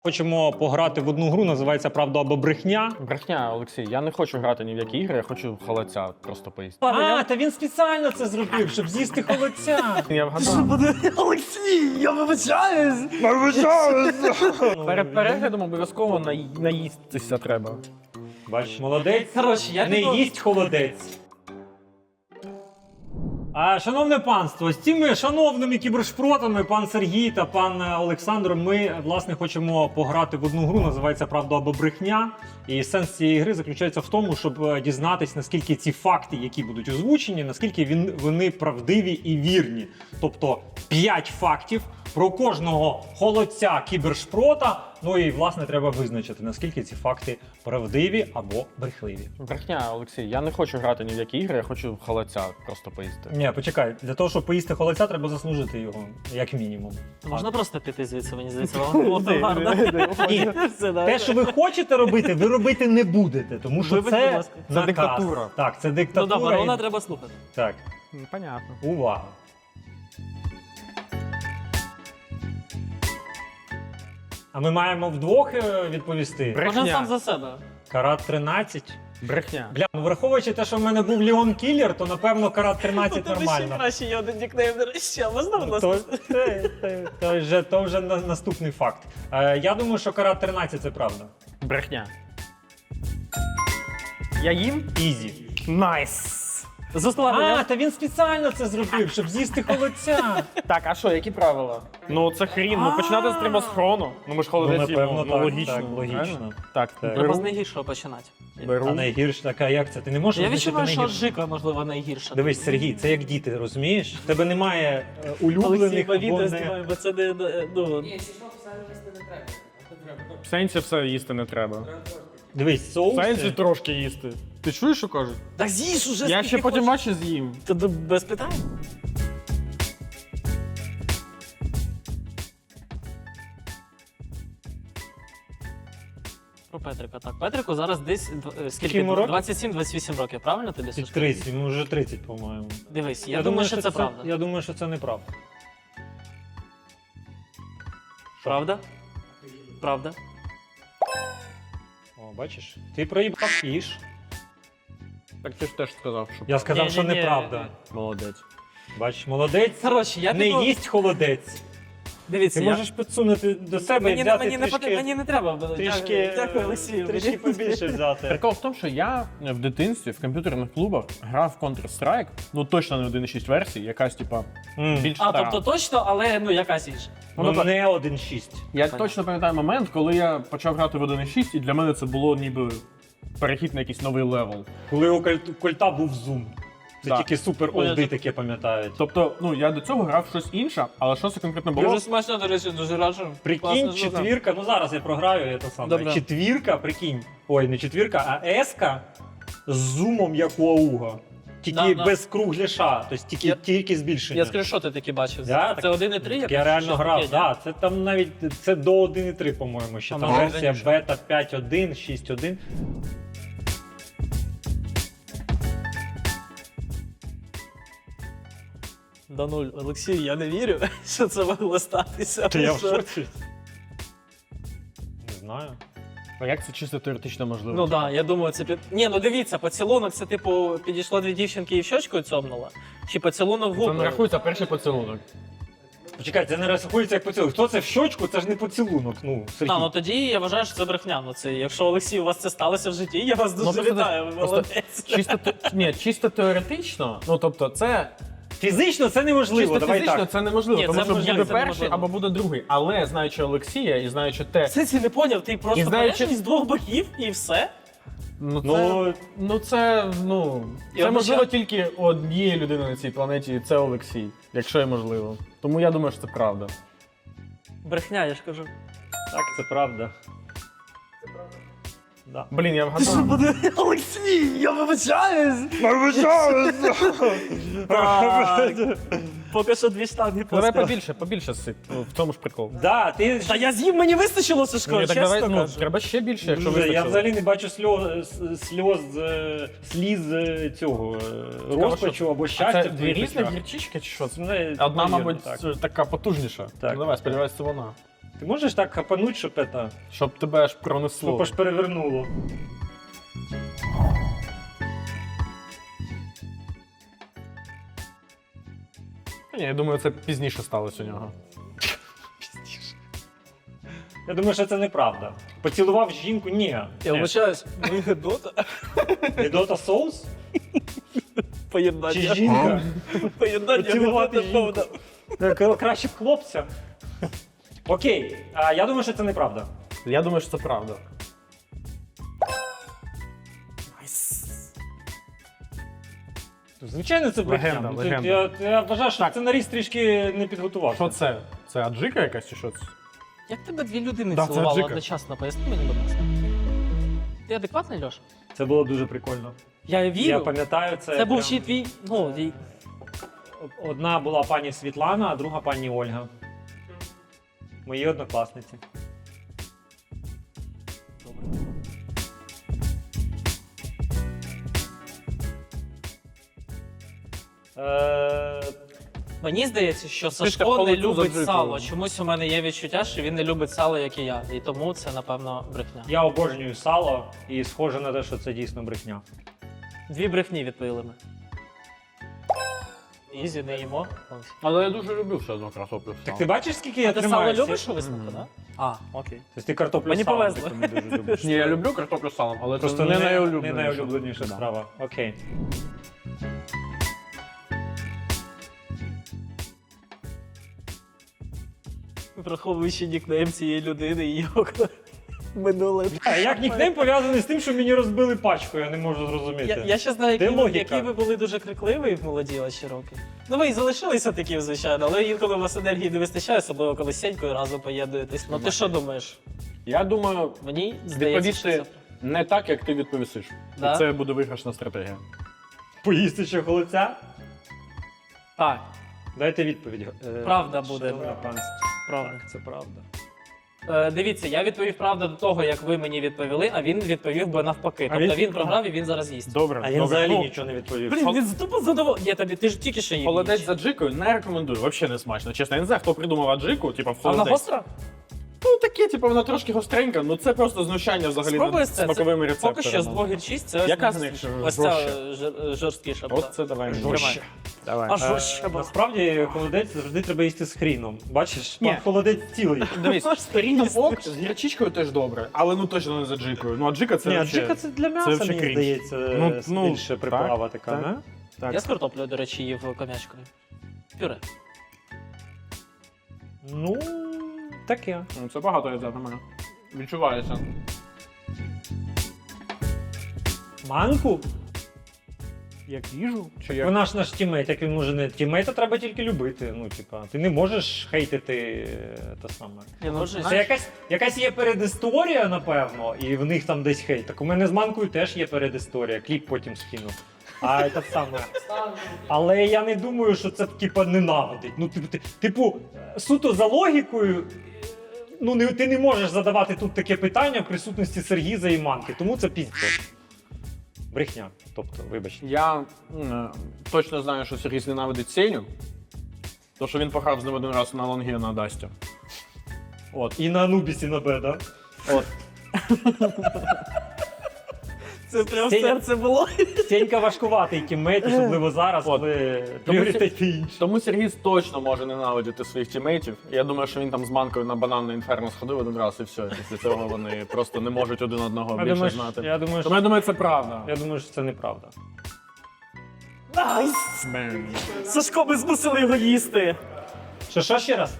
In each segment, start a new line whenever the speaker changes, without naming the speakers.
Хочемо пограти в одну гру, називається «Правда або брехня».
Брехня, Олексій, я не хочу грати ні в які ігри, я хочу холодця просто поїсти.
А, та він спеціально це зробив, щоб з'їсти холодця.
Я вгадав.
Олексій, я вибачаюсь!
Перед переглядом обов'язково наїстися треба.
Бачиш, молодець.
Коротше, я
не
піду-
їсть холодець. Шановне панство, з цими шановними кібершпротами, пан Сергій та пан Олександр, ми, власне, хочемо пограти в одну гру, називається «Правда або брехня». І сенс цієї гри заключається в тому, щоб дізнатись, наскільки ці факти, які будуть озвучені, наскільки вони правдиві і вірні. Тобто 5 фактів про кожного холодця кібершпрота. Ну і, власне, треба визначити, наскільки ці факти правдиві або брехливі.
Брехня, Олексій, я не хочу грати ні в які ігри, я хочу холодця просто поїсти.
Ні, почекай, для того, щоб поїсти холодця, треба заслужити його, як мінімум.
Можна просто піти звідси, мені здається, воно було б гарно.
Ні,
Все, да.
те, що ви хочете робити, ви робити не будете, тому що
Вибачте, будь
це
ласка.
Це
наказ.
диктатура.
Так, це
Ну
диктатура.
добре,
і-
вона треба слухати.
Так,
Понятно.
увага. А ми маємо вдвох відповісти.
Кожен сам за себе.
Карат 13.
Брехня.
Бля, ну враховуючи те, що в мене був Леон Кіллер, то напевно карат 13 нормально.
краще є один нікнейм, до речі, а можна в нас?
То вже наступний факт. Я думаю, що карат 13 це правда.
Брехня. Я їм?
Ізі.
Найс.
Заславлення.
Та він спеціально це зробив, щоб з'їсти холодця.
Так, а що, які правила? Ну це хрін, ну починати треба з хрону. Ну ми ж холодець їмо, ну логічно.
Так, логічно.
правильно? Так,
Треба
беру,
з найгіршого починати.
беру.
А найгірше така, як це? Ти не можеш
Я
визначити
відчуваю, що
найгірше.
Жика, можливо, найгірша.
Дивись, Сергій, це як діти, розумієш? В тебе немає
Олексій,
улюблених
по
або
відео
не...
знімаємо, бо це не... Ну,
В сенсі все їсти не треба.
Дивись,
В
соуси.
сенсі трошки їсти. Ти чуєш, що кажуть?
так з'їж уже,
Я ще потім бачу з'їм.
Та без питань. Про Петрика. Так, Петрику зараз десь скільки?
йому років?
27-28 років, правильно тобі?
Ти
Сашко?
30, йому вже 30, по-моєму.
Дивись, я думаю, що це правда.
Я думаю, що це неправда.
Правда? Правда?
О, бачиш? Ти проїбав їж.
Так ти ж теж сказав, що
Я сказав, що
Ні-ні-ні.
неправда.
молодець.
Бачиш, молодець.
Коротше, я
Не
піду...
їсть холодець.
Дивіться,
Ти
я...
можеш підсунути до себе і
Мені,
взяти
мені, не
трішки,
потрібно, мені не треба.
трішки,
Дякую, Олексію.
трішки побільше взяти.
Прикол в тому, що я в дитинстві в комп'ютерних клубах грав в Counter-Strike, ну точно не 1.6 версії, якась типа більш
А,
стара.
тобто точно, але ну якась інша.
Ну, не 1.6.
Я точно пам'ятаю момент, коли я почав грати в 1.6, і для мене це було ніби перехід на якийсь новий левел.
Коли у кольта був зум. Це
Да.
тільки супер
Ой,
олди
я
таке пам'ятають.
Тобто, ну я до цього грав в щось інше, але що це конкретно було?
Дуже смачно, до речі, дуже раджу.
Прикинь,
Класно,
четвірка, ну зараз я програю, я то саме.
Добре.
Четвірка, прикинь. Ой, не четвірка, а еска з зумом, як у Ауга. Тільки
Да.
без кругляша, тобто тільки збільшення.
Я скріншоти такі бачив.
Да,
Це
так,
1.3?
Я реально
щось
грав,
таке,
да. Це там навіть це до 1.3, по-моєму, ще
А,
там
може,
версія
раніше.
бета 5.1, 6.1.
Да нуль. Олексій, я не вірю, що це могло статися.
Та я в
Що?
шоці. Не знаю.
А як це чисто теоретично можливо?
Ну так, да, я думаю, це Ні, ну дивіться, поцілунок це типу підійшло дві дівчинки і в щочку цьомнула? Чи поцілунок в
Це не
губи?
рахується перший поцілунок.
Почекай, це не рахується як поцілунок. Хто це в щочку, це ж не поцілунок. Ну, Сергій.
А, ну тоді я вважаю, що це брехня. Ну це, якщо Олексій, у вас це сталося в житті, я вас дуже
просто
вітаю, ви
просто
молодець.
чисто теоретично, ну тобто це
Фізично це неможливо,
чисто
давай
фізично
так.
це неможливо,
Ні,
тому
це
що
можливо,
буде
це
перший
неможливо.
або буде другий. Але знаючи Олексія і знаючи те,
Це не поняв, ти
І
просто
знаючи-
береш з двох боків і все.
ну це,
Ну,
це можливо тільки у однієї людини на цій планеті, і це Олексій, якщо є можливо. Тому я думаю, що це правда.
Брехня, я ж кажу.
так, це правда. Да.
Блін, я вгадав.
Олексій, я вибачаюсь! Поки що дві штанги
Давай
поспіль.
побільше сип. Ну, в цьому ж прикол.
Да, ти
Та я з'їв, мені вистачило, Сашко,
Ні, так
чесно
давай,
кажу.
треба ще більше, якщо
Дуже, я
вистачило.
взагалі не бачу сліз цього розпачу або
А
щастя.
це
в
дві
твоїх
різні
очах.
гірчички чи що?
Ну,
Одна,
навірно,
мабуть,
так.
така потужніша.
Так.
Ну давай, сподіваюся, це вона.
Ти можеш так хапануть, щоб це,
Щоб тебе аж пронесло.
щоб аж перевернуло.
Ні, я думаю, це пізніше сталося у нього.
Я думаю, що це неправда. Поцілував жінку? Ні.
Я вибачаюсь, ви Гедота?
Гедота соус?
Поєднання.
Чи жінка?
Поєднання
Поцілувати
Гедота
жінку.
повна.
Краще б хлопця. Окей, я думаю, що це неправда.
Я думаю, що це правда.
Звичайно, це брехня.
Легенда,
Ну,
легенда.
Я вважаю, що
Так.
сценарист трішки не підготувався.
Що це? Це аджика якась чи що це?
Як тебе дві людини
Да, це
цілували
Джика.
одночасно? Поясни мені, будь ласка. Ти адекватний, Льош?
Це було дуже прикольно.
Я
Я
вірю.
пам'ятаю це.
Це був
прям-
ще твій. Ну,
Одна була пані Світлана, а друга пані Ольга. Мої однокласниці. Е,
Мені здається, що
Ти ж
Сашко
так
не
холодцю
любить
заджикував.
сало. Чомусь у мене є відчуття, що він не любить сало, як і я. І тому це, напевно, брехня.
Я обожнюю сало і схоже на те, що це дійсно брехня.
Дві брехні відповіли ми. Ізі, не їмо.
Але я дуже люблю все одно картоплю.
Так ти бачиш, скільки
А
я
ти сало
тримаюся?
любиш у висновку, так? А, окей.
Тобто ти картоплю
Мені
з салом
повезло.
таку не дуже любиш.
Ні, я люблю картоплю з салом, але
Просто
це
не
найулюбленіше.
найулюбленіша
Да.
страва. Окей.
Враховуючи нікнейм цієї людини і його минуле.
А як нікнейм пов'язаний з тим, що мені розбили пачку, я не можу зрозуміти.
Я ще знаю,
Де логіка?
які ви були дуже крикливі в молоді ваші роки. Ну ви і залишилися такі, звичайно, але інколи у вас енергії не вистачає, особливо коли з Сенькою разом поєднуєтесь. Ну ти що думаєш?
Я думаю,
Мені здається, що
відповісти
це...
не так, як ти відповісиш.
Да?
І це буде виграшна стратегія.
Поїсти ще холодця?
Так,
Дайте відповідь.
Правда буде.
Шановне панство.
правда.
Так, це правда.
Дивіться, я відповів правда до того, як ви мені відповіли, а він відповів би навпаки.
А
Тобто
він-
він програв і він зараз їсть.
Добре,
А він
добре.
взагалі
Ну,
нічого не відповів.
Блін, він тупо задоволений. Ні, тобі ти ж тільки що їв.
холодець
ніч.
з аджикою не рекомендую, взагалі не смачно. Чесно, я не знаю, хто придумав аджику, типу в
А вона
холодець.
гостра?
Ну таке, типу, вона трошки гостренька, ну це просто знущання взагалі
Спробуй
над
це.
смаковими рецепторами.
Поки що з 2 гірчиць це
Яка
ось
з них
ось ця
жорстче?
жорсткіша.
От це давай.
Жорстче.
Давай.
А жорстче була.
Насправді холодець завжди треба їсти з хріном. Бачиш,
Ні.
пан холодець цілий.
Дивись, старіння ок, з гірчичкою теж добре, але ну точно не з аджикою. Ну аджика це
Ні,
вообще-
аджика це для м'яса,
вообще
мені
крінж.
здається,
Ну,
більше приправа така,
так.
не?
Так.
Я з картоплею, до речі, їв ком'ячкою. Пюре.
Ну, таке.
Ну, це багато я за мене. Відчувається.
Манку?
Як їжу? Чи як?
Вона ж наш тімейт, як він може не тімейта треба тільки любити. Ну, типа, ти не можеш хейтити те саме.
Я можу.
Це якась є передісторія, напевно, і в них там десь хейт. Так у мене з манкою теж є передісторія, кліп потім скину. А це саме. Але я не думаю, що це типа ненавидить. Ну, типу, суто за логікою, ну ти не можеш задавати тут таке питання в присутності Сергіза і манки, тому це піздець. Брехня. Тобто, вибачте.
Я точно знаю, що Сергій ненавидить Сеню, тому що він пограв з ним один раз на лонгі на Дасті. От.
І на Анубісі на Б, да?
От.
Це прям
Сеня-
серце було.
Сенька важкуватий тіммейт, особливо зараз,
От.
коли
Тому
пріоритети інші.
Тому Сергій точно може ненавидіти своїх тімейтів. Я думаю, що він там з манкою на бананне інферно сходив один раз і все. Після цього вони просто не можуть один одного
Я
більше
думаю,
знати.
я думаю,
Тому я думаю, це правда.
я думаю, що це неправда.
Найс! Сашко, ми змусили його їсти.
Що ще раз?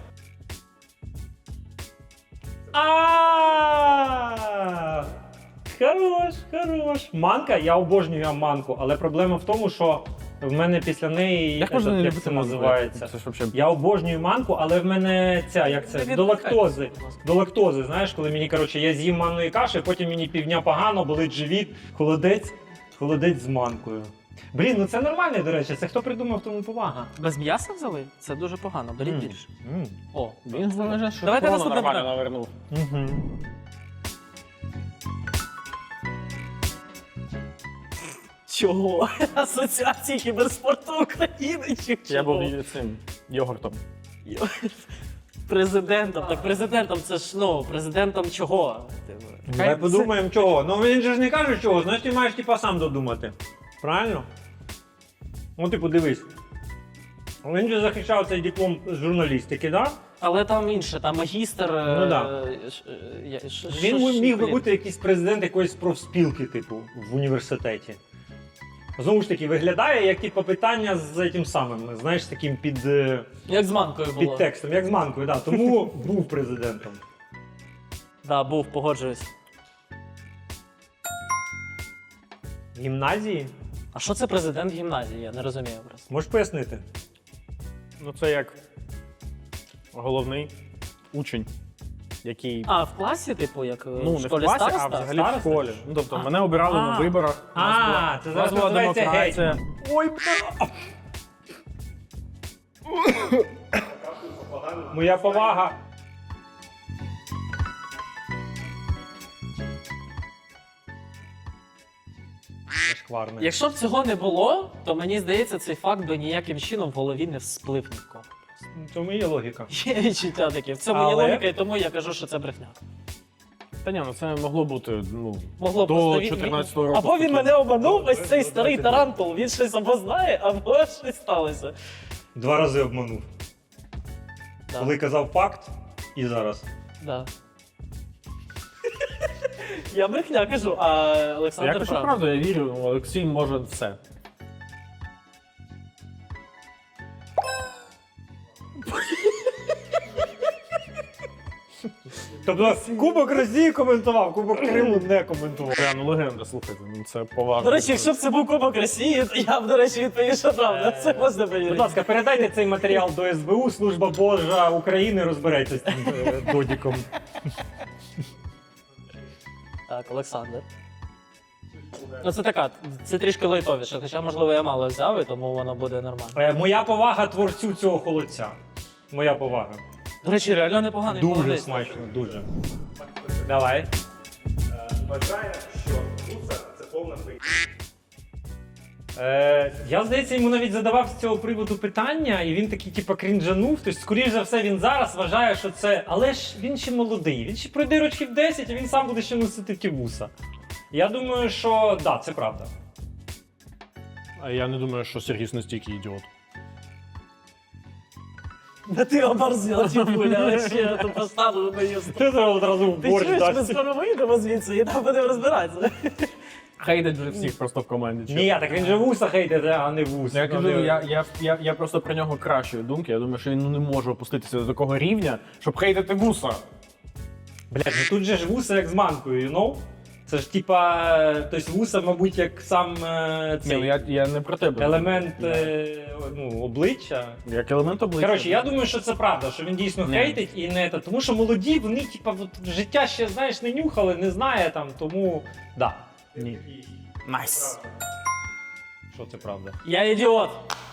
Хорош. Манка, я обожнюю манку, але проблема в тому, що в мене після неї
Як можна не
як
любити
це
манку?
називається.
Це ж вообще...
Я обожнюю манку, але в мене ця, як це,
Не
до
відволікай,
лактози.
будь ласка.
До лактози, знаєш, коли мені, коротше, я з'їм манної каші, потім мені півдня погано, болить живіт, холодець з манкою. Блін, ну це нормально, до речі, це хто придумав, тому повага.
Без м'яса взяли? Це дуже погано. Беріть
Мм.
більше.
М.
О,
Він залежить, що
Давайте
Давайте
наступне
нормально
питання.
навернув.
Мгм.
чого? Асоціації кіберспорту України чи чого?
Я був цим йогуртом.
Президентом. Так президентом це ж, ну, президентом чого?
Давай подумаємо чого. Ну він же ж не каже чого, значить ти маєш типа сам додумати. Правильно? Ну типу дивись. Він же захищав цей диплом з журналістики, так? Да?
Але там інше, там магістр.
Ну, да. Він міг би бути якийсь президент якоїсь профспілки, типу, в університеті. Знову ж таки, виглядає як типу, питання з тим самим, знаєш, таким
Як з манкою було.
під текстом, як з манкою, да. Тому був президентом.
Да, був, погоджуюсь.
В гімназії?
А що це президент гімназії? Я не розумію просто.
Можеш пояснити?
Ну це як головний учень, який.
А, в класі, типу, як
Ну,
в
не в
школі
класі, а
староста?
взагалі
Староста?
в школі. Ну, тобто, мене обирали на виборах. у нас
це
у нас
зараз
була
називається
демократія.
гетьман. Ой, бля! Моя повага. Зашкварне.
Якщо б цього не було, то мені здається, цей факт би ніяким чином в голові не всплив нікого.
В цьому є логіка.
Є відчуття таке. В цьому є
Але-
логіка, і тому я кажу, що це брехня.
Та ні, ну це могло бути
Могло
до
просто
14-го року.
Або він
таке.
мене обманув, ось цей старий тарантул, він щось або знає, або щось сталося.
2 рази обманув.
Да.
Коли казав факт і зараз.
Да. Я брехня кажу, а
Я
Олександр
кажу
прав.
правду, я вірю, Олексій може все.
Тобто Кубок Росії коментував, Кубок Криму не коментував.
Прям легенда, слухайте, ну це поважно.
До речі, якщо б це був Кубок Росії, то я б, до речі, відповів, що правда. Це можна
Будь
повірити.
ласка, передайте цей матеріал до СБУ, Служба Божа України розбереться з цим додіком.
Так, Олександр. Ну це така, це трішки лайтовіше, хоча, можливо, я мало взяв, і тому воно буде нормально.
Моя повага творцю цього холодця. Моя повага.
До речі, реально непоганий
Дуже
молодець.
смачно, дуже. Давай.
Вважає, що гуса це повна фейк.
Я, здається, йому навіть задавав з цього приводу питання, і він такий, типу, крінжанув. Тобто, скоріш за все, він зараз вважає, що це. Але ж він ще молодий. Він ще пройде років 10, і він сам буде ще носити ті вуса. Я думаю, що да, це правда.
А я не думаю, що Сергій настільки ідіот.
Да ти оборзіла, тіпуля, вообще, я тут поставлю на їсти.
Ти зараз одразу в
Ти
борщ
чуєш, ми
дасть.
скоро вийдемо звідси і там будемо розбиратися.
Хейтить вже всіх просто в команді.
Ні, так він же вуса хейтить, а не вус.
Я кажу,
Ну,
я просто про нього кращої думки. Я думаю, що він не може опуститися до такого рівня, щоб хейтити вуса.
Блядь, ну тут же ж вуса як з манкою, you know? Це ж типа, тобто вуса, мабуть, як сам
Ні, ну
цей
я не про тебе.
елемент обличчя.
Як елемент обличчя.
Коротше, я думаю, що це правда, що він дійсно
Ні.
хейтить і не те. Тому що молоді, вони, типа, от, життя ще, знаєш, не нюхали, не знає там, тому. Да.
Ні. Найс.
Що це правда?
Я ідіот.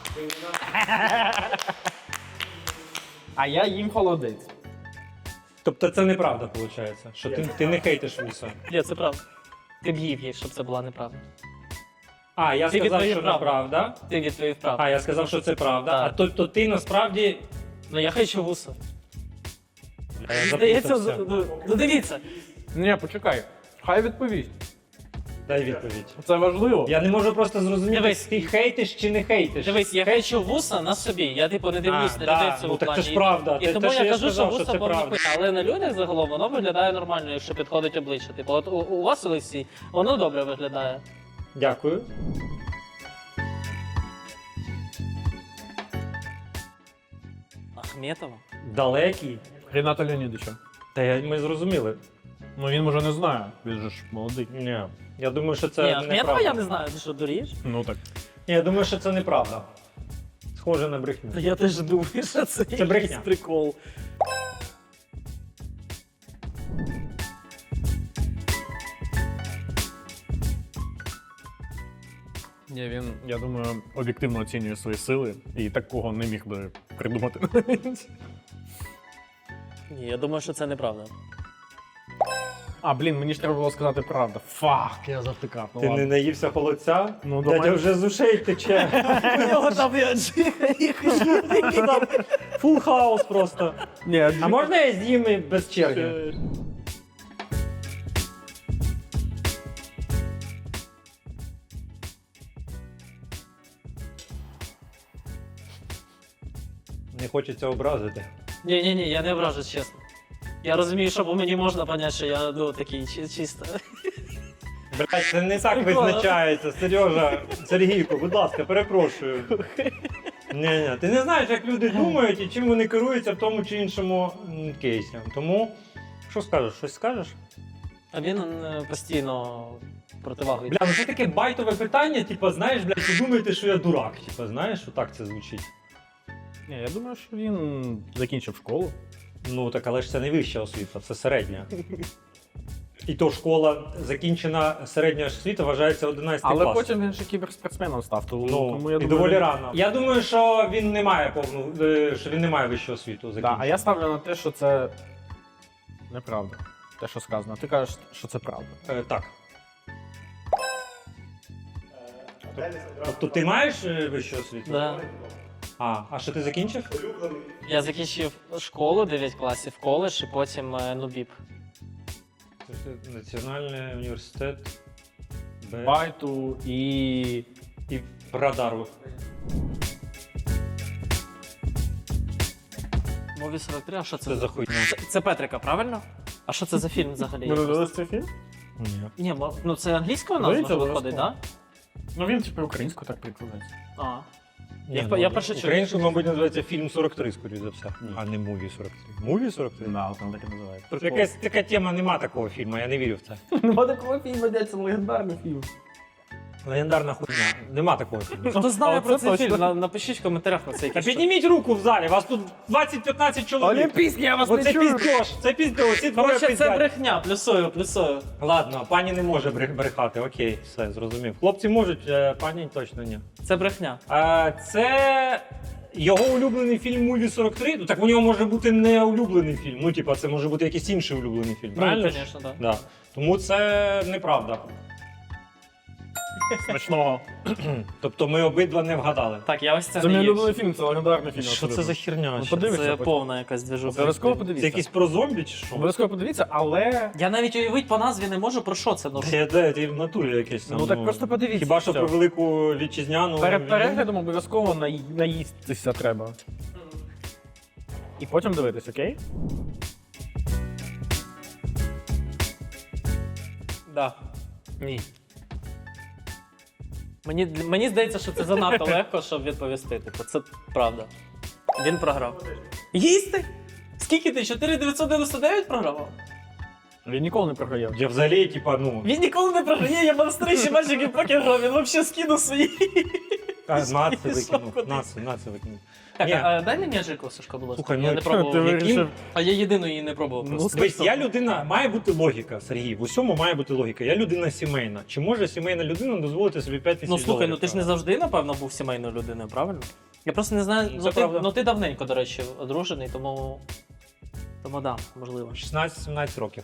А я їм холодець.
Тобто це неправда, виходить, що ти не хейтиш вуса.
Ні, це правда. Ти б їв їх, щоб це була неправда.
А, я
Ти
сказав,
відповів
що
правду.
неправда.
Ти відповів правду.
А, я сказав, що це правда.
Так.
А тобто ти насправді.
Ну я хейчу вуса.
Я
Здається,
запутався.
ну дивіться.
Ні, почекай. Хай відповість.
Дай відповідь.
Це важливо.
Я не можу просто зрозуміти,
Дивись.
ти хейтиш чи не хейтиш.
Дивись, я хейчу вуса на собі. Я типу не дивлюсь
А,
на
да,
людей в цьому
ну, так це
плані.
ж правда.
І
Те,
тому
що
я
я
кажу,
сказав,
що
що
вуса
це
повна
правда.
хуйня. Але на людях загалом воно виглядає нормально, якщо підходить обличчя. Типу, от у вас, Олексій, воно добре виглядає.
Дякую.
Ахметова?
Далекий.
Ріната Леонідовича.
Ми зрозуміли.
Ну він може не знає, він же ж молодий.
Ні. Я думаю, що це
Ні, Ахметова
неправда.
я не знаю, ти що, дурієш?
Ну так.
Ні, я думаю, що це неправда. Схоже на брехню.
Я теж думаю, що це якийсь
брехня.
прикол.
Ні, він, я думаю, об'єктивно оцінює свої сили і такого не міг би придумати.
Ні, я думаю, що це неправда.
А, блін, мені ж треба було сказати правду. Фак, я завтикав. Ну,
Ти не
ладно.
наївся холодця?
Ну,
Дядя
давай.
вже з ушей тече.
У нього там і аджика, і
Фул хаус просто.
Ні,
А можна я з'їм і без черги? Не хочеться образити.
Ні, я не ображусь, чесно. Я розумію, що по мені можна поняти, що я такий чисто.
Блять, це не так визначається, Сережа. Сергійко, будь ласка, перепрошую. Ні, ти не знаєш, як люди думають і чим вони керуються в тому чи іншому кейсі. Тому, що скажеш? Щось скажеш?
А він постійно противагою.
Бля, ну це таке байтове питання, типу, знаєш, блядь, ви думаєте, що я дурак. Типу, знаєш, отак це звучить.
Ні, я думаю, що він закінчив школу.
Ну так, але ж це не вища освіта, це середня. І то школа закінчена середня освіта вважається 11
Але
клас.
потім він ще кіберспортсменом став, тому
Ну,
я
і
думаю,
доволі
він-
рано. Я думаю, що він не має що він не має вищого освіту
Да,
закінчену.
а я ставлю на те, що це неправда. Те, що сказано. Ти кажеш, що це правда.
Так.
Денис одразу
Тобто ти маєш вищу освіту?
Да.
А що ти закінчив?
улюблений.
Я закінчив школу 9 класів, коледж і потім НУБІП.
Це Національний університет
Байту і
і Радару.
Мові 43, а що це?
Це за хуйня.
Це Петрика, правильно? А що це за фільм взагалі?
Ми дивилися цей фільм?
Ні.
Ні, ну це англійською
Дивіться,
назва виходить, так?
обов'язково. Ну він типу українською так прикладається.
Да? А.
Ні,
Я перше чую.
Українською, мабуть, називається фільм 43, скоріше за все.
Ні.
А не муві 43. Муві 43?
Да, там так і називається.
Якась така тема, нема такого фільму, я не вірю в це.
Нема такого фільму, де це легендарний фільм.
Легендарна хуйня. Нема такого фільму.
Хто знає
А
про
оце
цей
точно.
фільм, напишіть в коментарях на цей
Та
фільм.
підніміть руку в залі, вас тут 20-15 чоловік.
Олімпійський, я вас
Оце піздьош, це піздьош, ці двоє
Короче, це
пиздять.
брехня, плюсую.
Ладно, пані не може брехати, окей, все, зрозумів. Хлопці можуть, пані точно ні.
Це брехня.
Це його улюблений фільм Муві 43. Ну так у нього може бути не улюблений фільм. Ну, типа, це може бути якийсь інший улюблений фільм.
Ну,
Правильно?
звісно, так.
Да. Тому це неправда.
Смачного.
Тобто ми обидва не вгадали.
Так, я ось це
Це
не
мій
їв.
улюблений фільм, це легендарний фільм.
Що це за херня?
Ну,
ще?
подивися
Це
потім.
повна якась движуха.
Обов'язково
Це
подивіться.
якийсь про зомбі чи що?
Обов'язково подивіться, але...
Я навіть уявити по назві не можу, про що це. Ну,
Ти в натурі якесь там.
Ну, так просто подивіться,
Хіба що
все.
про велику вітчизняну.
Перед переглядом обов'язково наїстися треба. І потім дивитись, окей?
да.
Ні.
Мені здається, що це занадто легко, щоб відповісти. Типу, це правда. Він програв. Їсти? Скільки ти? 4,999 програвав?
Він ніколи не програє.
Я взагалі, типа, ну.
Він ніколи не програє, я монстрищі матчики покер грав, він взагалі скинув свої.
Наци
Пішов
викинув.
кудись.
Наци викинув.
Так,
Ні.
а дай мені аджику, Сашко, будь ласка.
Слухай,
Я
ну,
не
ти
пробував.
вирішив.
А я єдину її не пробував просто.
Дивись, я людина, має бути логіка, Сергій. В усьому має бути логіка. Я людина сімейна. Чи може сімейна людина дозволити собі 5 тисяч
Ну слухай,
доларів?
ну ти ж не завжди, напевно, був сімейною людиною, правильно? Я просто не знаю,
Ну, це правда.
ну ти давненько, до речі, одружений, тому да, можливо.
16-17 років.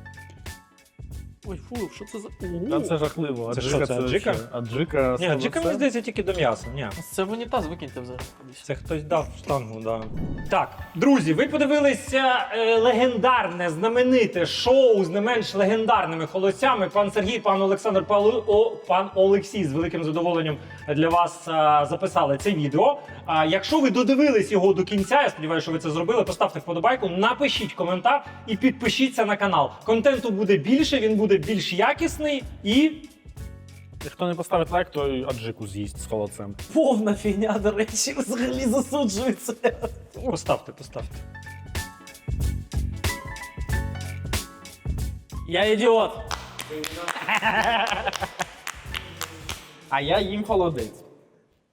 Ой, фу, що це за.
Та це жахливо.
Це що, це аджика?
вообще- Аджика.
Ні, джика, мені здається, тільки до м'яса. Ні.
Це в унітаз викиньте взагалі.
Це хтось дав штангу, да. Так, друзі, ви подивилися легендарне, знамените шоу з не менш легендарними холостями. Пан Сергій, пан Олександр, пан Олексій з великим задоволенням для вас записали це відео. Якщо ви додивились його до кінця, я сподіваюся, що ви це зробили, поставте вподобайку, напишіть коментар і підпишіться на канал. Контенту буде більше, він буде більш якісний і
Хто не поставить лайк, той аджику з'їсть з холодцем.
Повна фігня, до речі, взагалі засуджується.
поставте.
Я ідіот.
А я їм холодець.